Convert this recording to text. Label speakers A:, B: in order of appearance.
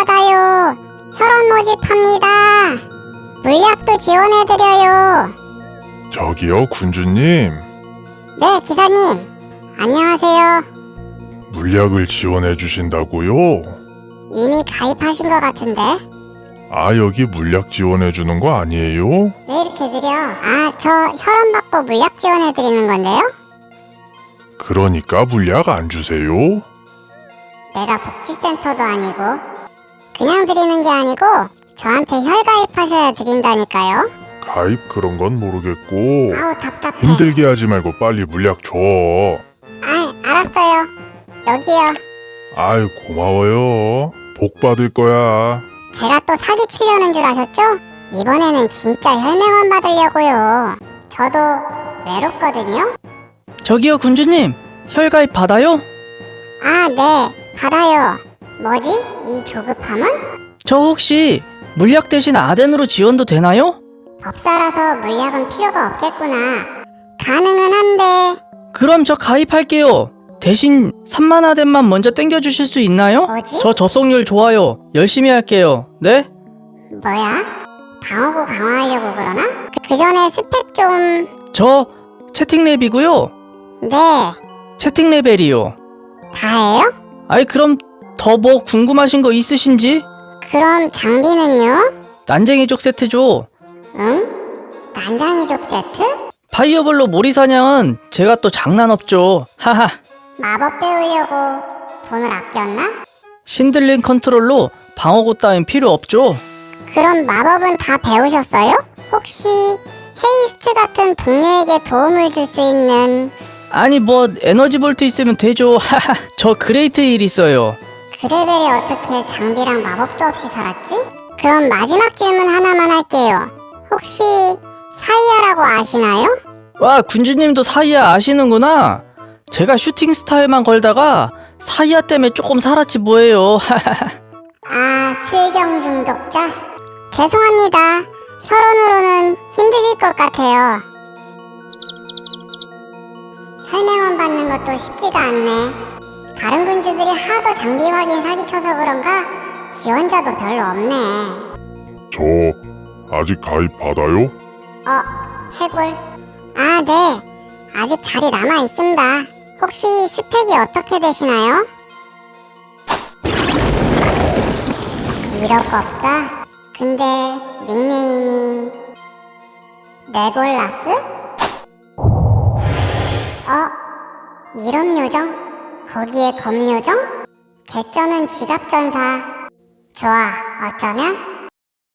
A: 받아요. 혈원 모집합니다. 물약도 지원해드려요.
B: 저기요, 군주님.
A: 네, 기사님. 안녕하세요.
B: 물약을 지원해 주신다고요?
A: 이미 가입하신 것 같은데?
B: 아, 여기 물약 지원해 주는 거 아니에요?
A: 왜 이렇게 느려? 아, 저 혈원 받고 물약 지원해드리는 건데요?
B: 그러니까 물약 안 주세요?
A: 내가 복지센터도 아니고 그냥 드리는 게 아니고 저한테 혈가입하셔야 드린다니까요.
B: 가입 그런 건 모르겠고
A: 아우 답답해.
B: 힘들게 하지 말고 빨리 물약 줘.
A: 아, 알았어요. 여기요.
B: 아유, 고마워요. 복 받을 거야.
A: 제가 또 사기치려는 줄 아셨죠? 이번에는 진짜 혈맹원 받으려고요. 저도 외롭거든요.
C: 저기요, 군주님. 혈가입 받아요?
A: 아, 네. 받아요. 뭐지? 이 조급함은?
C: 저 혹시 물약 대신 아덴으로 지원도 되나요?
A: 법사라서 물약은 필요가 없겠구나. 가능은 한데
C: 그럼 저 가입할게요. 대신 3만 아덴만 먼저 땡겨주실 수 있나요?
A: 뭐지?
C: 저 접속률 좋아요. 열심히 할게요. 네?
A: 뭐야? 방어구 강화하려고 그러나? 그 전에 스펙 좀...
C: 저 채팅 랩이고요.
A: 네.
C: 채팅 레벨이요.
A: 다예요?
C: 아이 그럼 더 뭐 궁금하신 거 있으신지?
A: 그럼 장비는요?
C: 난쟁이족 세트 줘.
A: 응? 난장이족 세트?
C: 파이어볼로 모리 사냥은 제가 또 장난 없죠. 하하.
A: 마법 배우려고 돈을 아꼈나?
C: 신들린 컨트롤로 방어구 따윈 필요 없죠.
A: 그럼 마법은 다 배우셨어요? 혹시 헤이스트 같은 동료에게 도움을 줄 수 있는
C: 아니 뭐 에너지 볼트 있으면 되죠. 하하. 저 그레이트 힐 있어요.
A: 그 레벨에 어떻게 장비랑 마법도 없이 살았지? 그럼 마지막 질문 하나만 할게요. 혹시 사이아라고 아시나요?
C: 와 군주님도 사이아 아시는구나. 제가 슈팅 스타일만 걸다가 사이아 때문에 조금 살았지 뭐예요. 하하하.
A: 아, 슬경 중독자? 죄송합니다. 혈원으로는 힘드실 것 같아요. 혈맹원 받는 것도 쉽지가 않네. 다른 군주들이 하도 장비 확인 사기쳐서 그런가 지원자도 별로 없네.
B: 저 아직 가입 받아요?
A: 해골. 아, 네. 아직 자리 남아 있습니다. 혹시 스펙이 어떻게 되시나요? 1억 법사? 근데 닉네임이 레골라스? 이런 요정? 거기에 검요정? 개쩌는 지갑전사. 좋아, 어쩌면